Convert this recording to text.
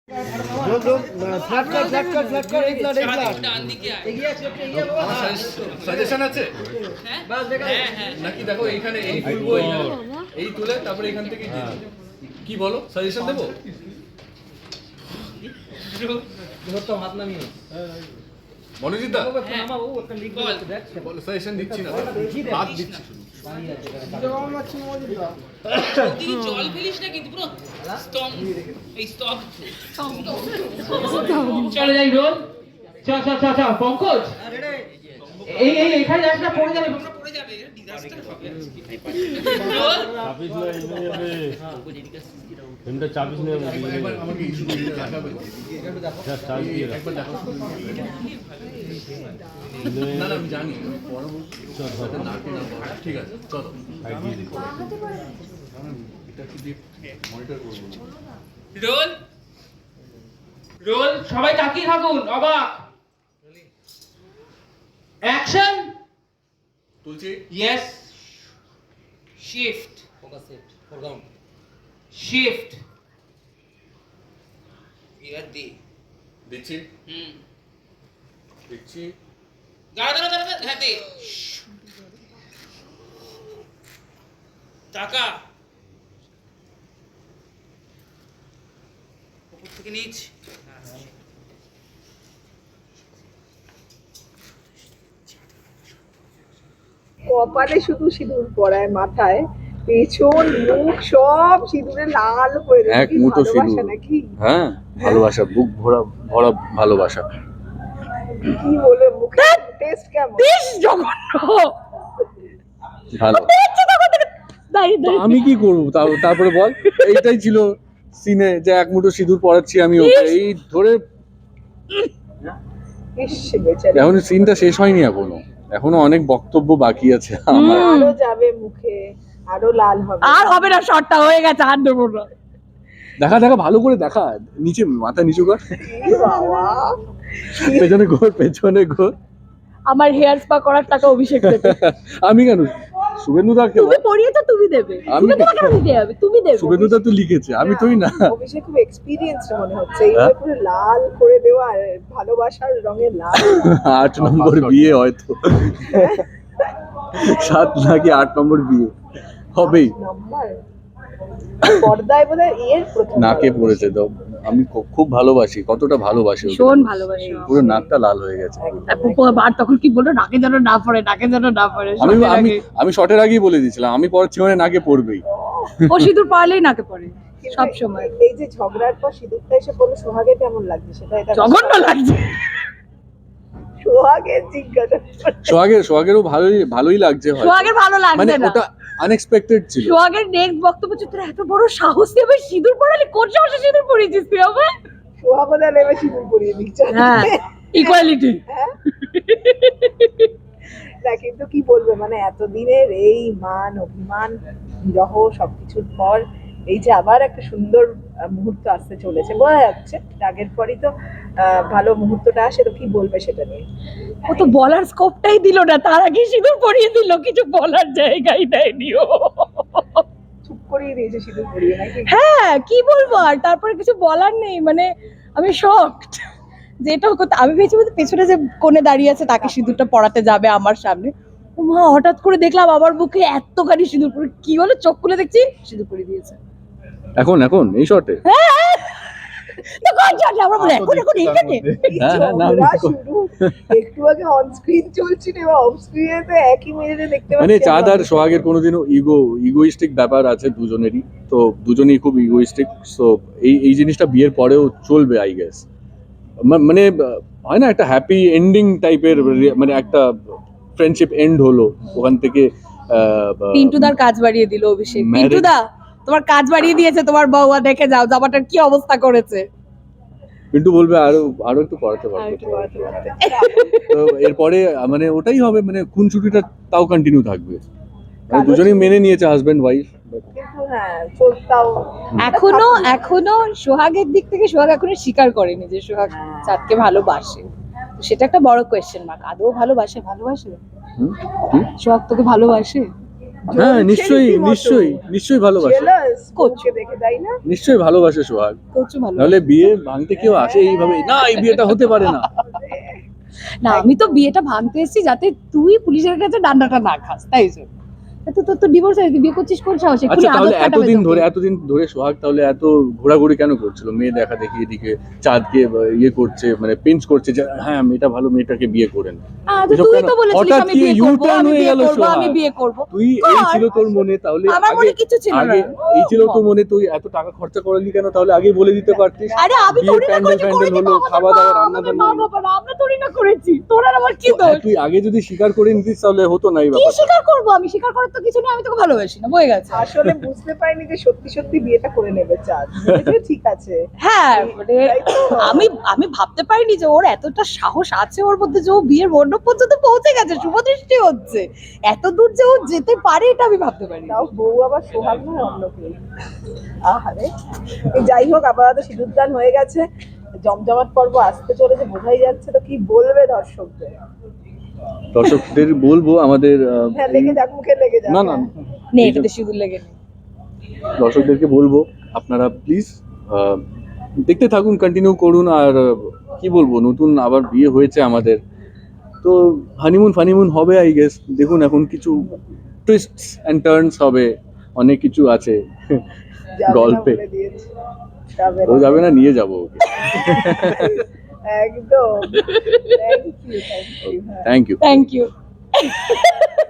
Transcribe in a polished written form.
Suggestion আছে নাকি? দেখো এইখানে এই তুলবো, এই তুলে তারপরে এখান থেকে কি বলো, সাজেশন দেবো? মনোজিৎ দা সাজেশন দিচ্ছি না, হাত দিচ্ছি। জল ফেলিস না কিন্তু পুরো স্তম্ভ, এই স্তম্ভ। চলে যাই রোল। চল চল চল চল পঙ্কজ, এই এই এখানে যাস না, পড়ে যাবে, পড়ে যাবে, ডিজাস্টার হবে আজকে। রোল চাপিস না, এনে যাবে এমটা চাপিস না। একবার আমাকে ইস্যু দিয়ে দেখাবে, যা চাপ দিয়ে একবার দেখো। না না আমি জানি পরবর্তী ঠিক আছে চলো এটা কি দিয়ে মনিটর করব। রোল রোল, সবাই তাকিয়ে থাকুন, অবাক। অ্যাকশন। তুলছি। Yes. Shift, focus shift, foreground shift. ইয়ার দি দিচ্ছি। দিচ্ছি। দাঁড়া দাঁড়া দাঁড়া, হ্যাঁ দে। টাকা উপর থেকে নিচ। কপালে শুধু সিঁদুর পরায়, মাথায় পেছন মুখ সব সিঁদুরে লাল করে দেয়। এক মুঠো সিঁদুর নাকি? হ্যাঁ, ভালোবাসা, বুক ভরা ভরা ভালোবাসা। কি বলে মুখে টেস্ট কেমন? বেশ জঘন্য। ভালো। আমি কি করব? তারপরে বল, এইটাই ছিল সিনে যে এক মুঠো সিঁদুর পরাচ্ছি আমি ওকে, এই ধরে। এখন সিনটা শেষ হয়নি এখনো অনেক বক্তব্য বাকি আছে আমার। আরো যাবে মুখে, আরো লাল হবে। আর হবে না, শর্টটা হয়ে গেছে, আর দেবো না। দেখা দেখা ভালো করে দেখা, নিচে মাথা নিচু কর, পেছনে ঘোর, পেছনে ঘোর। আমার হেয়ার স্পা করার টাকা অভিষেক দেবে। আমি কেন? শুভেন্দুদাকে তুমি পড়িয়ে তো তুমি দেবে, শুভেন্দুদা কেন দিতে হবে? তুমি দেবে। শুভেন্দুদা তো লিখেছে, আমি তুই না। অভিষেক খুব এক্সপেরিয়েন্সড মনে হচ্ছে, এইভাবে পুরো লাল করে দেওয়া, আর ভালোবাসার রঙে লাল। 8 নম্বর বিয়ে হয়তো, 7 নাকি 8 নম্বর বিয়ে হবেই। নাম্বার পর্দায় বোধহয় এর প্রথম নাকে পড়েছে তো। আমি খুব ভালোবাসি, কতটা ভালোবাসি ওকে। ভীষণ ভালোবাসি। পুরো নাকটা লাল হয়ে গেছে। আর তখন কি বললো, নাকে যেন না পড়ে, নাকে যেন না পড়ে। আমি আমি আমি শর্টের আগেই বলে দিয়েছিলাম আমি পড়াচ্ছি মানে নাকে পড়বেই। ও সিঁদুর পারলেই নাকে পড়ে সব সময়। এই যে ঝগড়ার পর সিঁদুরটা এসে বলে সোহাগে কেমন লাগছে, সেটা এটা জঘন্য লাগছে। সোহাগের জিজ্ঞাসা। সোহাগেরও ভালোই লাগছে হয়তো। সোহাগের ভালো মানে লাগছে না, ওটা আনএক্সপেক্টেড ছিল। সোহাগের নেক্সট বক্তব্য হচ্ছে, তোর এত বড় সাহস, তুই আবার সিঁদুর পড়ালি, কোন সাহসে সিঁদুর পড়িয়েছিস তুই আবার? সোহাগ বোধহয় নেমে সিঁদুর পরিয়ে দিচ্ছে। হ্যাঁ, ইকুয়ালিটি। না কিন্তু কি বলবে, মানে এতদিনের এই মান অভিমান বিরহ সবকিছুর পর এই যে আবার একটা সুন্দর মুহূর্ত আসতে চলেছে, বোঝা যাচ্ছে আগের পরই তো ভালো মুহূর্তটা আসে, তো কি বলবে সেটা নিয়ে? ও তো বলার স্কোপটাই দিল না, তার আগে সিঁদুর পরিয়ে দিল, কিছু বলার জায়গাই দেয়নি ও। চুপ করিয়ে দিয়েছে সিঁদুর পরিয়ে নাকি? হ্যাঁ, কি বলবো আর, তারপরে কিছু বলার নেই। মানে আমি শকড, যেটা আমি ভেবেছি পেছনে যে কোণে দাঁড়িয়ে আছে তাকে সিঁদুরটা পড়াতে যাবে আমার সামনে, ও মা, হঠাৎ করে দেখলাম আমার বুকে এতখানি সিঁদুর পরে, কি হলো, চোখ খুলে দেখছি সিঁদুর পরে দিয়েছে। এখন এই শর্টে তো কোন শটে আমরা বলে এখন এইখানে? একটু আগে অন স্ক্রিন চলছিল এবং অফ স্ক্রিনে তো একই মেয়েদের দেখতে পাচ্ছি। মানে চাঁদ আর সোহাগের কোনোদিনও ইগোইস্টিক ব্যাপার আছে দুজনেরই, তো দুজনেই খুব ইগোইস্টিক। সো এই জিনিসটা বিয়ের পরেও চলবে আই গেস। মানে হয় না একটা হ্যাপি এন্ডিং টাইপের, মানে একটা ফ্রেন্ডশিপ এন্ড হলো ওখান থেকে। পিন্টুদার কাজ বাড়িয়ে দিল অভিষেক। পিন্টুদা তোমার কাজ বাড়িয়ে দিয়েছে, তোমার বউয়া, দেখে যাও জামাটার কি অবস্থা করেছে। পিন্টু বলবে আরো একটু পড়াতে পারতো। তো এরপরে মানে ওটাই হবে, মানে খুনসুটিটা তাও কন্টিনিউ থাকবে, মানে দুজনেই মেনে নিয়েছে হাজবেন্ড ওয়াইফ। কিন্তু হ্যাঁ চলতাও এখনো সোহাগের দিক থেকে সোহাগ এখনো স্বীকার করেনি যে সোহাগ চাঁদকে ভালোবাসে। সেটা একটা বড় কোয়েশ্চেন মার্ক। আদৌ ভালোবাসে? সোহাগ তোকে ভালোবাসে? হ্যাঁ নিশ্চয়ই ভালোবাসে, জেলাস করছো। কোচকে দেখে তাই না? নিশ্চয়ই ভালোবাসে সোহাগ, প্রচুর ভালো নাহলে বিয়ে ভাঙতে কেউ আসে এইভাবে, না এই বিয়েটা হতে পারে না। না, আমি তো বিয়েটা ভাঙতে এসেছি যাতে তুই পুলিশের কাছে ডান্ডাটা না খাস, তাই জন্য। তো তোর তো ডিভোর্স হয়ে গেছে, বিয়ে করছিস কোন সাহসে? আচ্ছা তাহলে এতদিন ধরে সোহাগ তাহলে এত ঘোরাঘুরি কেন করছিল, মেয়ে দেখা দেখি এদিকে চাঁদকে ইয়ে করছে, মানে পিঞ্চ করছে যে হ্যাঁ মেয়েটা ভালো, মেয়েটাকে বিয়ে করেন। এসব তুই কেন? তো বলেছিলিস হঠাৎ আমি কি বিয়ে করব, U-turn আমি হয়ে বিয়ে গেল করব, সোহাগ? আমি বিয়ে করব। তুই এই ছিল তোর মনে, তাহলে আমার মনে কিছু ছিল না। আগে এই ছিল তোর মনে, তুই এত টাকা খরচা করলি কেন? তাহলে আগে বলে দিতে পারতিস। আরে আমি বিয়ে থোড়ি না প্যান্ডেল করেছি, ফ্যান্ডেল হলো, আমাদের খাওয়া দাওয়া, রান্না আমাদের বান্না মা হলো। বাবা, আমরা থোড়ি না করেছি, তোর আর আমার কি তো দোষ? তুই আগে যদি স্বীকার করে নিতিস তাহলে হতো না এই কি ব্যাপারটা। স্বীকার করবো? আমি স্বীকার করার তো কিছু নেই, আমি তোকে ভালোবাসি না, বয়ে গেছে। আসলে বুঝতে পারিনি যে সত্যি সত্যি বিয়েটা করে নেবে চাঁদ। ভেবেছে ঠিক আছে, হ্যাঁ মানে তাই তো? আমি ভাবতে পারিনি যে ওর এতটা সাহস আছে ওর মধ্যে, যে ও বিয়ের মণ্ডপ পর্যন্ত পৌঁছে গেছে, শুভদৃষ্টি হচ্ছে, এত দূর যে ও যেতে পারে এটা আমি ভাবতে পারি। তাও বউ আবার সোহাগ নয় অন্য কেউ। আহারে, যাই হোক আপাতত সিঁদুরদান হয়ে গেছে, জমজমাট পর্ব আসতে চলেছে, বোঝাই যাচ্ছে। তো কি বলবে দর্শকদের বলবো আমাদের হ্যাঁ লেগে যাক, মুখে লেগে যাক। না না নে এটাতে সিঁদুর লেগে নে। দর্শকদেরকে বলবো আপনারা প্লিজ দেখতে থাকুন, কন্টিনিউ করুন। আর কি বলবো, নতুন আবার বিয়ে হয়েছে আমাদের, তো হানিমুন হবে আই গেস। দেখুন এখন কিছু টুইস্টস অ্যান্ড টার্নস হবে, অনেক কিছু আছে যাবে না গল্পে। বলে দিয়েছে। যাবে ও না। যাবে না, নিয়ে যাবো ওকে। একদম। Thank you. Thank you. Thank you.